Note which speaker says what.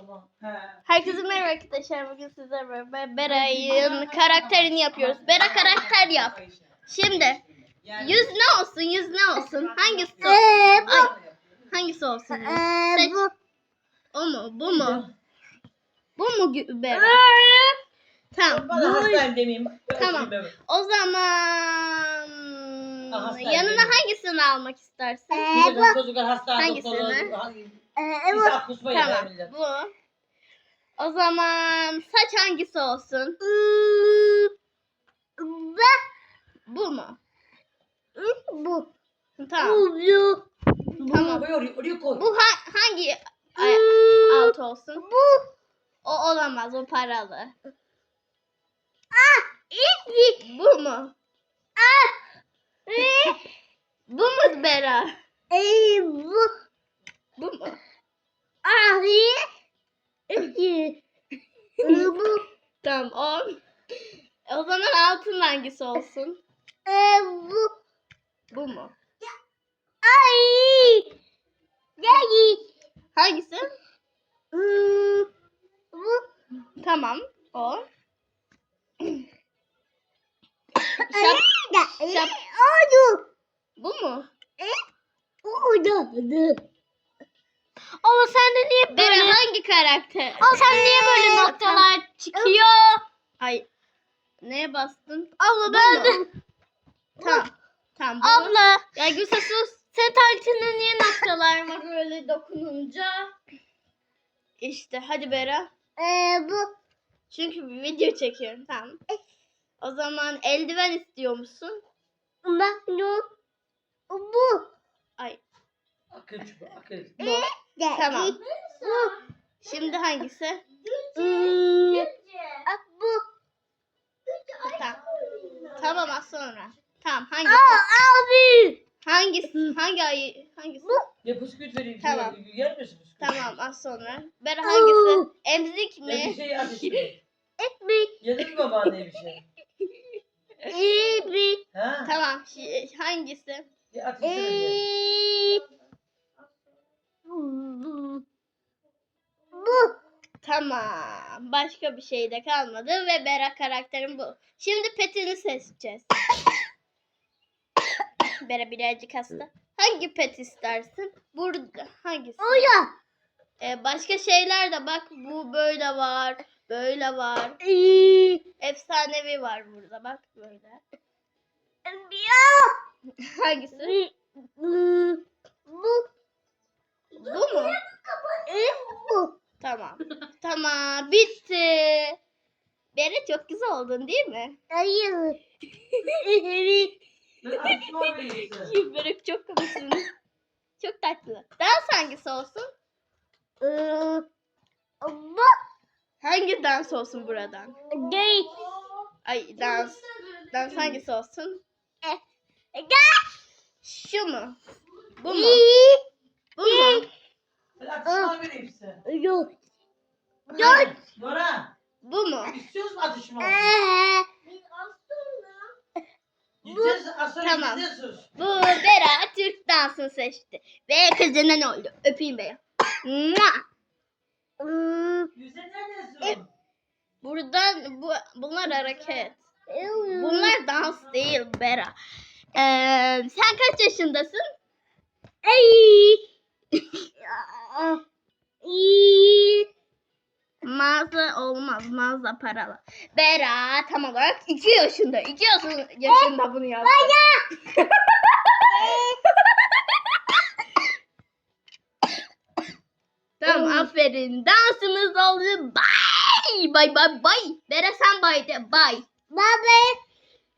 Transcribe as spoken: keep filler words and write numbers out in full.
Speaker 1: Tamam. He.
Speaker 2: Herkese merhaba arkadaşlar. Bugün sizlerle beraber Bera'nın karakterini yapıyoruz. Bera karakter yap. Şimdi yüz ne olsun? Yüz ne olsun? Hangisi? Ay, hangisi olsun? Seç. O mu? Bu mu? Bu mu Gü- Bera? Tamam.
Speaker 1: Bana hastayım demeyeyim.
Speaker 2: Tamam. O zaman
Speaker 1: Aha,
Speaker 2: yanına hangisini almak istersin?
Speaker 1: Çocuklar, çocuklar hasta
Speaker 2: Hangisini?
Speaker 1: doktoru. hangi- İsa kusma yeter
Speaker 2: Tamam.
Speaker 1: millet.
Speaker 2: Bu. O zaman saç hangisi olsun? Bu mu?
Speaker 3: Bu.
Speaker 2: Tamam.
Speaker 3: Bu.
Speaker 2: Tamam.
Speaker 1: Oraya, oraya, oraya koy.
Speaker 2: Bu ha- hangi ay- alt olsun?
Speaker 3: Bu.
Speaker 2: O olamaz. O paralı.
Speaker 3: İki.
Speaker 2: Bu mu? Bu mu Bera?
Speaker 3: Ey bu.
Speaker 2: Bu mu?
Speaker 3: Abi. İki. Bu.
Speaker 2: Tamam. O. O zaman altın hangisi olsun?
Speaker 3: Ey bu.
Speaker 2: Bu mu?
Speaker 3: Ay. Gel.
Speaker 2: Hangisi?
Speaker 3: Bu.
Speaker 2: Tamam. O. Şap, şap.
Speaker 3: Oldu.
Speaker 2: Bu mu?
Speaker 3: Oldu. Ama sende niye
Speaker 2: Bera
Speaker 3: böyle?
Speaker 2: hangi karakter?
Speaker 3: Ama sen niye böyle noktalar çıkıyor?
Speaker 2: Ay. Neye bastın?
Speaker 3: Abla
Speaker 2: Bu
Speaker 3: ben de.
Speaker 2: mu? Tamam. Tamam. Bu.
Speaker 3: Abla.
Speaker 2: Ya Gülse sus.
Speaker 3: Sen tartında niye noktalar var?
Speaker 2: Ama böyle dokununca. İşte hadi Bera.
Speaker 3: Ee, bu.
Speaker 2: Çünkü bir video çekiyorum. Tamam. O zaman eldiven istiyor musun?
Speaker 3: Bak bu. Bu.
Speaker 2: Ay.
Speaker 1: Akıl çubuğu, akıl.
Speaker 2: Bu. Tamam.
Speaker 3: Bu.
Speaker 2: Şimdi hangisi?
Speaker 3: Hmm. Bu.
Speaker 2: Tamam. Tamam az sonra. Tamam hangisi?
Speaker 3: Aa, abi.
Speaker 2: Hangisi? Hangi ayı? Hangisi?
Speaker 1: Ya bisküvit vereyim.
Speaker 2: Tamam.
Speaker 1: Tamam. Yer misin bisküvit?
Speaker 2: Tamam az sonra. Bera hangisi? Emzik
Speaker 1: Ya bir
Speaker 2: mi?
Speaker 1: şey at işte.
Speaker 3: Ekmek.
Speaker 1: Yedin mi babaanneye bir şey?
Speaker 3: Ekmek.
Speaker 1: Ha?
Speaker 2: Tamam. şi- Hangisi?
Speaker 1: Ya at işte diye.
Speaker 3: Ee, Bu. Bu.
Speaker 2: Tamam. Başka bir şey de kalmadı ve Bera karakterim bu. Şimdi petini seçeceğiz. Bera birazcık hasta. Hangi pet istersin? Burada hangisi?
Speaker 3: Oya.
Speaker 2: Ee, başka şeyler de bak bu böyle var. Böyle var.
Speaker 3: Ee,
Speaker 2: Efsanevi var burada bak böyle.
Speaker 3: Ya.
Speaker 2: Hangisi?
Speaker 3: Bu. Bu.
Speaker 2: Bu mu?
Speaker 3: Ee, Bu.
Speaker 2: Tamam. Tamam. Bitti. Bera çok güzel oldun değil mi?
Speaker 3: Hayır. Evet.
Speaker 1: Ben atışma vereyim size.
Speaker 2: Bera çok komiksin. Çok tatlı. Dans hangisi olsun?
Speaker 3: Ee, Bu.
Speaker 2: Hangi dans olsun buradan?
Speaker 3: Gay.
Speaker 2: Ay dans. Dans hangisi olsun?
Speaker 3: Gay.
Speaker 2: Şu mu? Bu mu?
Speaker 3: İyi.
Speaker 2: Bu mu?
Speaker 1: Ben atışma vereyim size.
Speaker 3: Yok.
Speaker 1: Hadi, Nora.
Speaker 2: Bu mu?
Speaker 1: İstiyoruz mu atışma?
Speaker 3: Ee,
Speaker 1: Gideceğiz. Az sonra
Speaker 2: Tamam.
Speaker 1: gideceğiz.
Speaker 2: Bu Bera Türk dansını seçti. Ve kızına ne oldu? Öpeyim Bera. Mua!
Speaker 3: hmm,
Speaker 1: Yüzde neredesin?
Speaker 2: Buradan bu, bunlar hareket.
Speaker 3: hmm.
Speaker 2: Bunlar dans değil Bera. Ee, sen kaç yaşındasın?
Speaker 3: Ay. İyi.
Speaker 2: Mağaza olmaz. Mağaza paralı. Bera tam olarak iki yaşında. iki yaşında, yaşında bunu yaptı. Tamam aferin. Dansımız oldu. Bye. Bye bye bye. Bera sen bye de. Bye.
Speaker 3: Baba.